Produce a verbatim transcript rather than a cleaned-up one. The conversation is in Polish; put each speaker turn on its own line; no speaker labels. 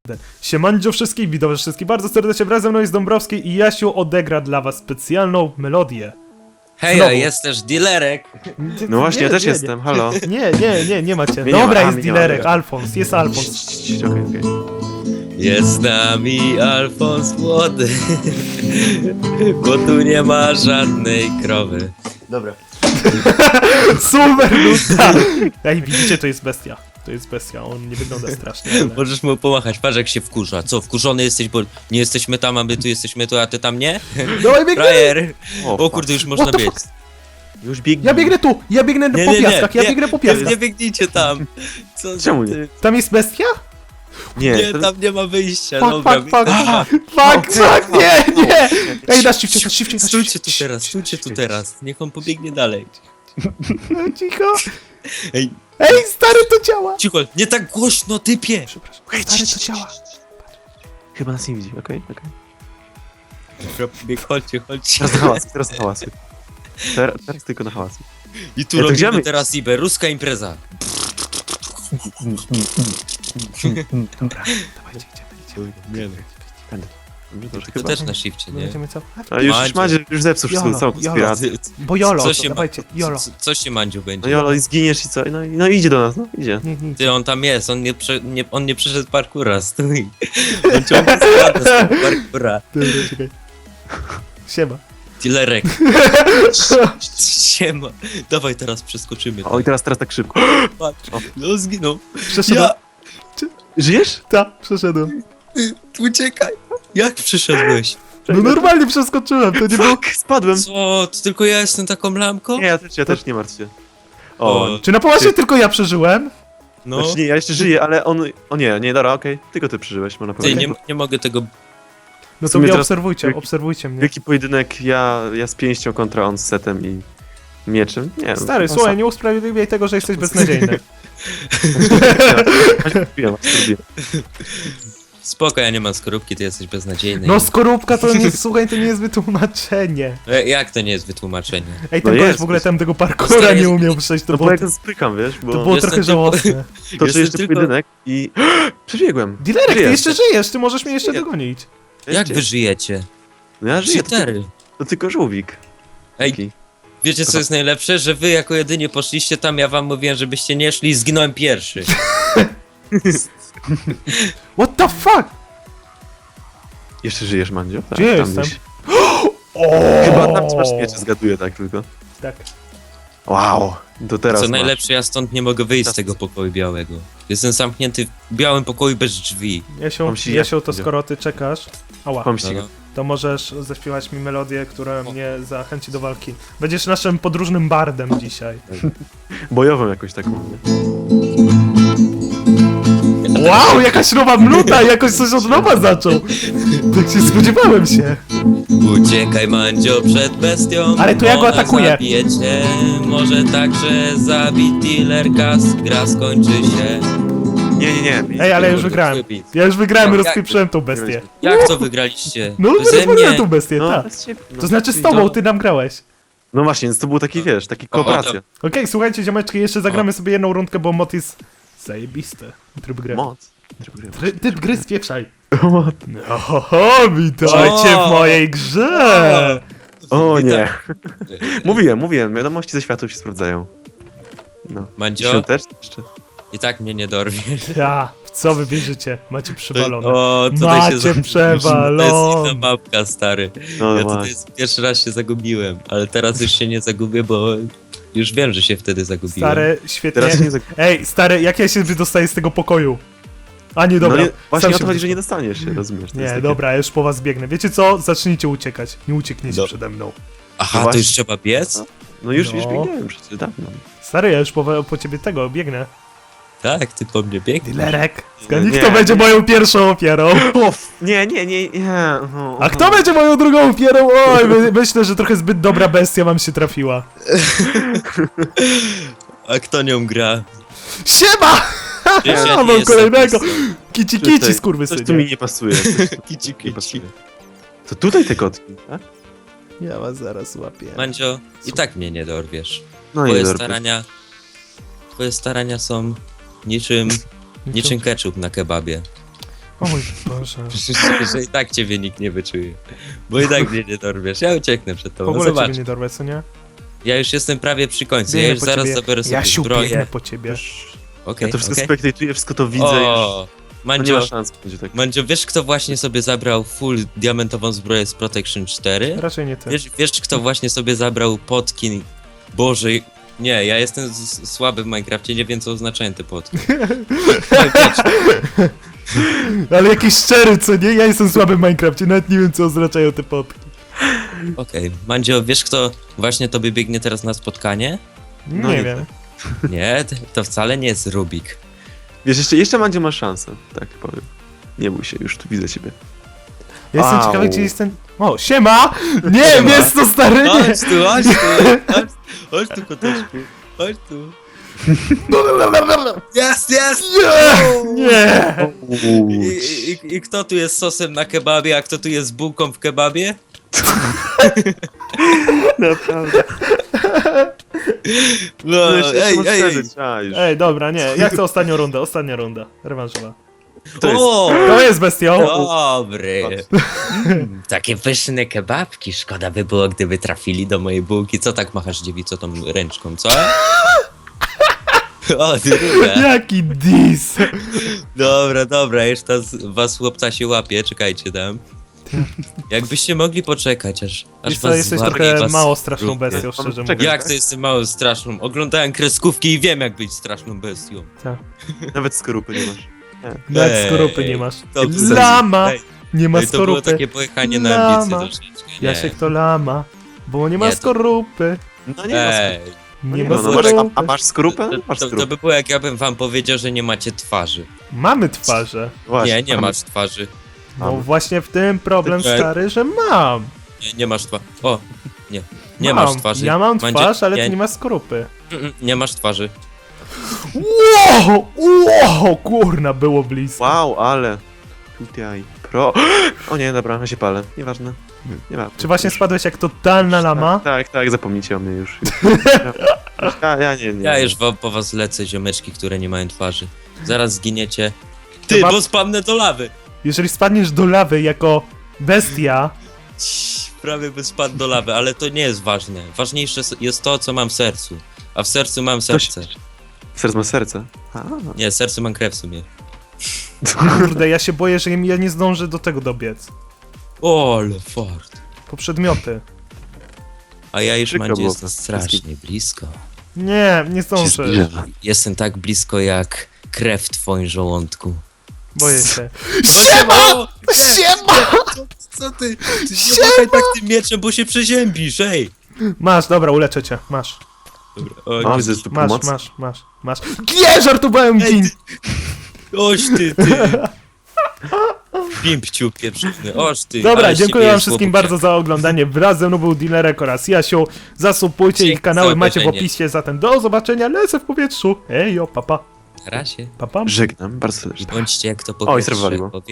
Siemandzio wszystkich, witam wszystkich bardzo serdecznie, wraz ze mną jest Dąbrowski i Jasiu odegra dla was specjalną melodię.
Hej,
Znowu.
a jest też dealerek.
No właśnie,
Nie,
ja też
nie,
jestem, halo.
Nie, nie, nie, nie macie.
Mnie nie
Dobra,
ma, a,
jest
mnie nie ma,
dealerek,
dobra.
Alfons, jest Alfons.
Okej, okej.
Jest z nami Alfons młody, bo tu nie ma żadnej krowy.
Dobra.
Super nuta! Ej, widzicie, to jest bestia. To jest bestia, on nie wygląda strasznie, ale...
Możesz mu pomachać, patrz jak się wkurza. Co, wkurzony jesteś, bo nie jesteśmy tam, a my tu jesteśmy tu, a ty tam nie?
Dawaj, biegnę!
Frajer!
O,
O kurde, już można
What the
biec.
fuck?
Już biegnę.
Ja biegnę tu! Ja biegnę
Nie,
po
nie, nie,
piaskach, ja
nie,
biegnę po
Nie,
piaskach.
nie biegnijcie tam. Co,
Czemu nie?
ty?
Tam jest bestia?
Nie,
Nie,
to-
tam nie ma wyjścia,
Fuck,
dobra.
fuck, fuck,
Aha.
fuck, fuck, nie, nie! Ej, na szybcie, na szybcie, na
Stójcie
szybcie.
tu teraz, stójcie tu teraz. Niech on pobiegnie dalej.
No, cicho.
Ej,
Ej, stary, to działa!
cicho, nie tak głośno, typie!
Przepraszam, stary, to działa.
Chyba nas nie widzi, okej, okej.
Bieg, chodźcie, chodźcie.
Teraz na hałas, teraz na hałas. Teraz, teraz tylko na hałas.
I tu
Ja to
robimy
gdzie my-
teraz Iber, ruska impreza.
Dobra, dawajcie, idziemy, idziemy.
Nie no.
Będę. No to
To
chyba.
też na shifcie,
No
nie?
będziemy co?
A już, już
Mandzio.
Madzie, już zepsuł
Jolo,
wszystko, całą
jolo.
konspirację.
Bo Jolo,
Co się,
dawajcie,
ma,
Jolo.
co, co się Mandziu będzie?
No Jolo, i zginiesz i co? No, i- no idzie do nas, no idzie.
Nie, nie,
Ty, on tam jest, on nie, prze, nie, on nie przeszedł parkura, stój. On ciągle spada z tego parkura.
dobra, czekaj. Siema.
Dealerek. Siema. Dawaj teraz przeskoczymy.
O, i teraz, teraz tak szybko.
Patrz. No zginął.
Przeszedłem.
Ja,
Żyjesz?
Ta, przeszedłem.
uciekaj. Jak przeszedłeś?
No normalnie przeskoczyłem, to nie było...
Fuck, spadłem.
Co, to tylko ja jestem taką lamką?
Nie, ja też, ja też nie martw się. O,
O,
Czy na poważnie
Ty-
tylko ja przeżyłem?
no.
znaczy nie, ja jeszcze żyję, ale on... O nie, nie, dobra, okej. Tylko ty przeżyłeś, można
Ty,
powiedzieć.
nie, nie mogę tego...
No
W
to
sumie
mnie
teraz-
obserwujcie,
wielki-
obserwujcie mnie.
Wielki pojedynek, ja, ja z pięścią kontra on z setem i mieczem. Nie no,
Stary,
no,
słuchaj, nie usprawiedliwiaj tego, że jesteś beznadziejny.
Zrobiłem, zrobiłem.
Spoko, ja nie mam skorupki, ty jesteś beznadziejny.
No skorupka to nie, słuchaj, to nie jest wytłumaczenie.
E, Jak to nie jest wytłumaczenie?
Ej,
No
ten koleś
jest,
w ogóle
jest.
tam tego parkura
Stary,
nie
jest-
umiał przejść, to
No bo
było,
jak spykam, wiesz, bo
to było
Jestem
trochę
tylko-
żałosne.
to
Jestem
jeszcze
tylko-
pojedynek i... Przebiegłem.
Dilerek, ty
Żyję.
jeszcze żyjesz, ty możesz mnie jeszcze
Nie.
dogonić.
Ja
Jak
żyję.
wy żyjecie?
No ja żyję, to, ty-
Cheatery.
to tylko żółwik.
Ej,
Taki.
wiecie co jest najlepsze? Że wy jako jedynie poszliście tam, ja wam mówiłem, żebyście nie szli i zginąłem pierwszy.
What the fuck?
Jeszcze żyjesz, Mandzio? Tak,
Gdzie
tam
jestem?
gdzieś.
O!
Chyba tam masz miecze, zgaduję tak tylko.
Tak.
Wow, to teraz
Co
masz.
najlepsze, ja stąd nie mogę wyjść z
Teraz-
tego pokoju białego. Jestem zamknięty w białym pokoju bez drzwi.
Jasiu,
Mam się
Jasiu,
jak-
to skoro ty czekasz, ała,
Mam
No,
ścigę.
no.
to możesz zaśpiewać mi melodię, która mnie zachęci do walki. Będziesz naszym podróżnym bardem dzisiaj.
Bojową jakoś taką. nie?
Wow, jakaś nowa mnuta, jakoś coś od nowa zaczął. Tak się spodziewałem się.
Uciekaj, Mandzio, przed bestią.
Ale to ja go
ona
atakuję.
Zabije cię. Może także zabić dealerka, gra skończy się.
Nie, nie, nie.
Ej, ale już
Kurde,
wygrałem.
twój beat.
Ja już wygrałem,
No, jak
rozpieprzyłem tą bestię.
Jak to wygraliście?
No,
Beze
rozwaliłem
mnie.
tą bestię,
No,
tak.
bez ciebie, no.
To znaczy z
czyli
tobą,
to-
ty nam grałeś.
No właśnie, więc to był taki, wiesz, taki kooperacja.
Okej, słuchajcie, ziomeczki, jeszcze zagramy sobie jedną rundkę, bo mod jest zajebisty. Tryb gry.
Moc.
Try- Typ gry spieprzaj.
Moc.
Oho, witajcie w mojej grze!
O nie.
Witam.
Mówiłem, mówiłem, wiadomości ze światów się sprawdzają. No.
Mandzio,
Świąteczne jeszcze.
i tak mnie nie dorwiesz.
Ja, w co wy wierzycie? Macie przewalone.
O, tutaj
Macie
się zagubiłem.
przewalone.
To jest inna mapka, stary.
No,
Ja
no
tutaj pierwszy raz się zagubiłem, ale teraz już się nie zagubię, bo już wiem, że się wtedy zagubiłem.
Stary, świetnie.
Teraz się nie zag...
Ej, stary, jak ja się wydostaję z tego pokoju? A nie, dobra.
No nie, właśnie
sam
o
się
to chodzi, że nie
wydostanę.
dostaniesz się, rozumiesz? to jest
Nie,
takie-
dobra, ja już po was biegnę. Wiecie co? Zacznijcie uciekać. Nie uciekniecie
Do-
przede mną.
Aha,
No
to już
właśnie.
trzeba biec?
No już,
No.
już biegniemy przecież dawno.
Stary, ja już po, po ciebie tego biegnę.
Tak, ty po mnie biegniesz.
Dilerek.
Nie,
Nikt kto
nie.
będzie moją pierwszą ofiarą.
Uff, nie, nie, nie, nie. O,
A kto będzie moją drugą ofiarą? Oj, my, myślę, że trochę zbyt dobra bestia wam się trafiła.
A kto nią gra?
Siema!
Przecież ja
Ja
nie
mam
jestem
kolejnego.
pisem.
Kici
Tutaj,
kici,
Coś tu mi
skurwysynie.
nie pasuje. Coś tu
Kici,
nie
kici.
pasuje. To tutaj te kotki, tak?
Ja was zaraz łapię.
Mandzio, i tak mnie nie dorwiesz.
No
Twoje
i dobra.
starania... Twoje starania są niczym... niczym ketchup na kebabie.
O mój Boże.
Przecież że i tak ciebie nikt nie wyczuje. Bo i tak mnie nie dorwiesz. Ja ucieknę przed
W
tobą. No
ogóle
zobacz.
ciebie nie dorwę, co nie?
Ja już jestem prawie przy końcu. Ja
Biegnę
już
po
zaraz
ciebie.
zabiorę sobie
Jasiu, biegnę
zbroję.
po ciebie.
Już,
Okej,
ja to wszystko
okej.
spektaktuję, wszystko to widzę już.
O,
No nie
Mandzio,
ma szans, będzie tak.
Mandzio, wiesz kto właśnie sobie zabrał full diamentową zbroję z Protection cztery?
Raczej nie ty.
Wiesz, wiesz kto właśnie sobie zabrał potki? Boże, nie, ja jestem z- słaby w Minecrafcie, nie wiem co oznaczają te potki.
Ale jakiś szczery, co nie? Ja jestem słaby w Minecrafcie, nawet nie wiem, co oznaczają te popki.
Okej, Mandzio, wiesz kto właśnie tobie biegnie teraz na spotkanie?
No
nie
nie
wiem.
Nie, to- to wcale nie jest Rubik.
Wiesz, jeszcze, jeszcze Mandzio ma szansę, tak powiem. Nie bój się, już tu widzę ciebie.
Ja jestem
Au.
ciekawy, gdzie jest ten... O, siema! Nie,
Siema.
jest to stary, nie!
Chodź tu, chodź tu, chodź, chodź tu koteczku, chodź tu. Jest, jest!
Nie!
I, i, I kto tu jest sosem na kebabie, a kto tu jest bułką w kebabie?
Naprawdę.
No,
No, jeszcze
ej,
masz
ej,
przeżyć, a, już.
Ej, dobra, nie. Ja chcę ostatnią rundę, ostatnia runda. Rewanżowa.
To jest-
o,
To jest bestią.
dobry. Mm, takie pyszne kebabki, szkoda by było, gdyby trafili do mojej bułki. Co tak machasz dziewico tą ręczką, co? O, druga.
Jaki dis!
Dobra, dobra, już ta z was chłopca się łapie, czekajcie tam. Jakbyście mogli poczekać, aż, aż
Wiesz co,
was
jesteś
złapie i
trochę
was
mało straszną
zrupie.
bestią, szczerze
Czekaj.
mówiąc.
Jak to jestem mało straszną? Oglądałem kreskówki i wiem jak być straszną bestią.
Nawet skorupy nie masz.
Nawet
Ej,
skorupy nie masz.
to było-
Lama!
Ej,
Nie ma
ej, to było
skorupy.
takie pojechanie na ambicje
Lama.
troszeczkę. Nie.
Jasiek to lama. Bo nie ma
Nie, to-
skorupy.
No nie ma
Ej,
skorupy.
Nie
Nie
ma
ma, no, masz, a,
skorupy.
a masz skorupę?
to,
Masz
to, to
skorupę.
by było jak ja bym wam powiedział, że nie macie twarzy.
Mamy twarze.
Właśnie,
Nie, nie
mamy-
masz twarzy.
No
Mamy.
właśnie w tym problem,
Ej.
stary, że mam.
Nie, nie masz twarzy. O, nie. Nie
mam.
masz twarzy.
Ja mam
Mandzie-
twarz, ale
nie,
ty nie masz skorupy.
mm, mm, nie masz twarzy.
Wow! Wow! Kurna, było blisko.
Wow, ale... Tutaj... Pro... O nie, dobra, ja się palę. Nieważne. Nieważne.
Czy właśnie spadłeś jak totalna lama?
Tak, tak, tak, zapomnijcie o mnie już. Ja, ja nie, nie.
Ja już wo- po was lecę, ziomeczki, które nie mają twarzy. Zaraz zginiecie. Ty,
ma-
bo spadnę do lawy!
Jeżeli spadniesz do lawy jako bestia,
Ciii, prawie by spadł do lawy, ale to nie jest ważne. Ważniejsze s- jest to, co mam w sercu. A w sercu mam serce.
Serce ma serce. A,
Nie, w sercu mam krew w sumie.
kurde, ja się boję, że ja nie zdążę do tego dobiec.
O, ale fart.
Po przedmioty.
A ja już
Przykro
Mandzie
było
jestem
to.
strasznie blisko.
Nie, nie
się
zdążę.
zbliża.
Jestem tak blisko jak krew w twoim żołądku.
Boję się.
Siema!
Siema!
Co, co ty? Ty nie machaj tak tym mieczem, bo się przeziębisz, ej!
Masz, dobra, uleczę cię. Masz.
Dobra, o,
A,
nie-
widzę, że tu
Masz,
pomoc.
masz, masz, masz. Nie, żartowałem,
Ej,
gin!
Oś ty, ty! Pimpciu pieprzony, oż ty!
Dobra,
ale z
dziękuję
ciebie
wam
jest
wszystkim
łobuziak.
bardzo za oglądanie. Wraz ze mną był Dilerek oraz Jasiu. Zasubujcie ich
Dzięki
kanały,
za
macie w
obejrzenie.
opisie. Zatem do zobaczenia, lecę w powietrzu. Ejo, papa.
Na razie.
Papa.
Żegnam, bardzo serdecznie.
Bądźcie jak to po
Oj,
pierwsze
zerwaliło.
powie-